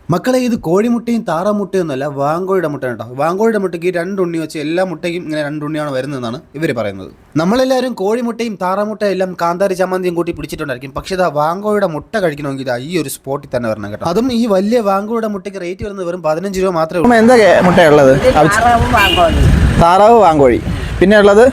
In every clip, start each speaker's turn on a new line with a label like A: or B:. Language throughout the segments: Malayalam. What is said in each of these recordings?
A: മക്കളെ ഇത് കോഴിമുട്ടയും താറാമുട്ടയൊന്നുമല്ല, വാങ്കോഴിയുടെ മുട്ടയാണ് കേട്ടോ. വാങ്കോഴിയുടെ മുട്ടയ്ക്ക് 2 ഉണ്ണി വെച്ച് എല്ലാ മുട്ടയ്ക്കും ഇങ്ങനെ 2 ഉണ്ണിയാണ് വരുന്നതെന്നാണ് ഇവർ പറയുന്നത്. നമ്മളെല്ലാവരും കോഴിമുട്ടയും താറാമുട്ടയും എല്ലാം കാന്താരി ചമ്മന്തിയും കൂട്ടി പിടിച്ചിട്ടുണ്ടായിരിക്കും. പക്ഷേ ഇതാ വാങ്കോഴിയുടെ മുട്ട കഴിക്കണമെങ്കിൽ ഈ ഒരു സ്പോട്ടിൽ തന്നെ വരണം കേട്ടോ. അതും ഈ വലിയ വാങ്കോഴിയുടെ മുട്ടയ്ക്ക് റേറ്റ് വരുന്നത് വെറും 15 രൂപ മാത്രമേ ഉള്ളൂ.
B: എന്താ മുട്ടയുള്ളത്? താറാവ്, വാങ്കോഴി. പിന്നെ ഉള്ളത്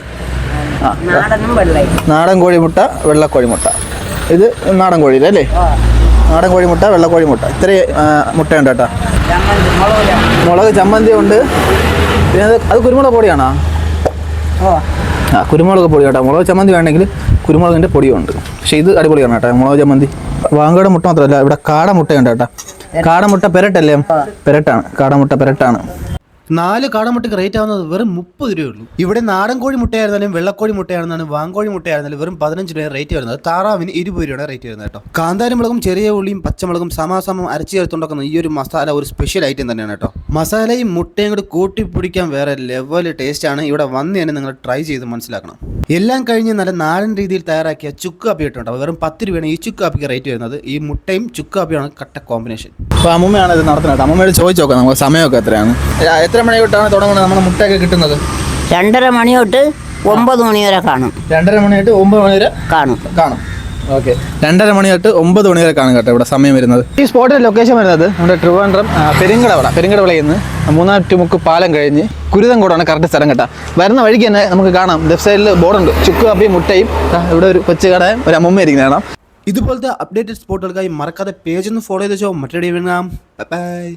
B: നാടൻ കോഴിമുട്ട, വെള്ളക്കോഴിമുട്ട. ഇത് നാടൻ കോഴി അല്ലേ? നാടൻ കോഴിമുട്ട, വെള്ളക്കോഴിമുട്ട, ഇത്രയും മുട്ടയുണ്ട് കേട്ടോ. മുളക് ചമ്മന്തി ഉണ്ട്. പിന്നെ അത് കുരുമുളക് പൊടിയാണോ? കുരുമുളക് പൊടി കേട്ടോ. മുളക് ചമ്മന്തി വേണമെങ്കിൽ കുരുമുളകിൻ്റെ പൊടിയുണ്ട്. പക്ഷേ ഇത് അടിപൊളിയാണ് കേട്ടോ മുളക് ചമ്മന്തി. വാങ്കയുടെ മുട്ട മാത്രമല്ല, ഇവിടെ കാടമുട്ടയുണ്ട് കേട്ടോ. കാടമുട്ട പെരട്ടല്ലേ? പെരട്ടാണ്, കാടമുട്ട പെരട്ടാണ്.
A: 4 കാടമുട്ടയ്ക്ക് റേറ്റ് ആവുന്നത് വെറും 30 രൂപയുള്ളൂ. ഇവിടെ നാടൻ കോഴി മുട്ടയായിരുന്നാലും വെള്ളക്കോഴി മുട്ടയായിരുന്നാലും വാങ്കോഴി മുട്ടയായിരുന്നാലും വെറും 15 രൂപ റേറ്റ് വരുന്നത്. താറാവിന് 20 രൂപയുടെ റേറ്റ് വരുന്നത് കേട്ടോ. കാന്താരി മുളകും ചെറിയ ഉള്ളിയും പച്ചമുളകും സമാസമം അരച്ച് ചേർത്തുണ്ടാക്കുന്ന ഈ ഒരു മസാല ഒരു സ്പെഷ്യൽ ഐറ്റം തന്നെയാണ് കേട്ടോ. മസാലയും മുട്ടയും കൂടി കൂട്ടി പിടിക്കാൻ വേറെ ലെവൽ ടേസ്റ്റാണ്. ഇവിടെ വന്ന് തന്നെ നിങ്ങൾ ട്രൈ ചെയ്ത് മനസ്സിലാക്കണം. എല്ലാം കഴിഞ്ഞ് നല്ല നാടൻ രീതിയിൽ തയ്യാറാക്കിയ ചുക്ക് കാപ്പി കിട്ടുന്നുണ്ടാവും. വെറും 10 രൂപയാണ് ഈ ചുക്ക് കാപ്പിക്ക് റേറ്റ് വരുന്നത്. ഈ മുട്ടയും ചുക്ക് കാപ്പിയാണ് കട്ട കോമ്പിനേഷൻ.
B: അപ്പോൾ അമ്മൂമ്മയാണ് ഇത് നടത്തുന്നത് കേട്ടോ. അമ്മൂമ്മയോട് ചോദിച്ചു നോക്കാം നമുക്ക് സമയമൊക്കെ എത്രയാണ്, എത്ര മണി തൊട്ടാണ് തുടങ്ങുന്നത് നമ്മുടെ മുട്ടയൊക്കെ കിട്ടുന്നത്?
C: 2:30 മണി തൊട്ട് 9 മണി വരെ കാണും.
B: 2:30 മണി തൊട്ട് 9 മണി വരെ കാണും. ഓക്കെ, 2:30 മണി തൊട്ട് 9 മണി വരെ കാണും കേട്ടോ ഇവിടെ സമയം വരുന്നത്. ഈ സ്പോട്ടിൻ്റെ ലൊക്കേഷൻ വരുന്നത് നമ്മുടെ ട്രിവാൻഡ്രം പെരിങ്കടവിളയിൽ നിന്ന് 3-മുക്ക് പാലം കഴിഞ്ഞ് കുരുതംകോടാണ് കറക്റ്റ് സ്ഥലം കേട്ടോ. വരുന്ന വഴിക്ക് തന്നെ നമുക്ക് കാണാം, ലെഫ്റ്റ് സൈഡിൽ ബോർഡുണ്ട്, ചുക്ക് കാപ്പിയും മുട്ടയും. ഇവിടെ ഒരു കൊച്ചു കടയും ഒരു അമ്മൂമ്മ ഇരിക്കുന്ന കാണാം.
A: ഇതുപോലത്തെ അപ്ഡേറ്റഡ് സ്പോട്ടുകൾക്കായി മറക്കാതെ പേജ് ഒന്ന് ഫോളോ ചെയ്ത് വെച്ചോ. മറ്റൊരു ബൈ.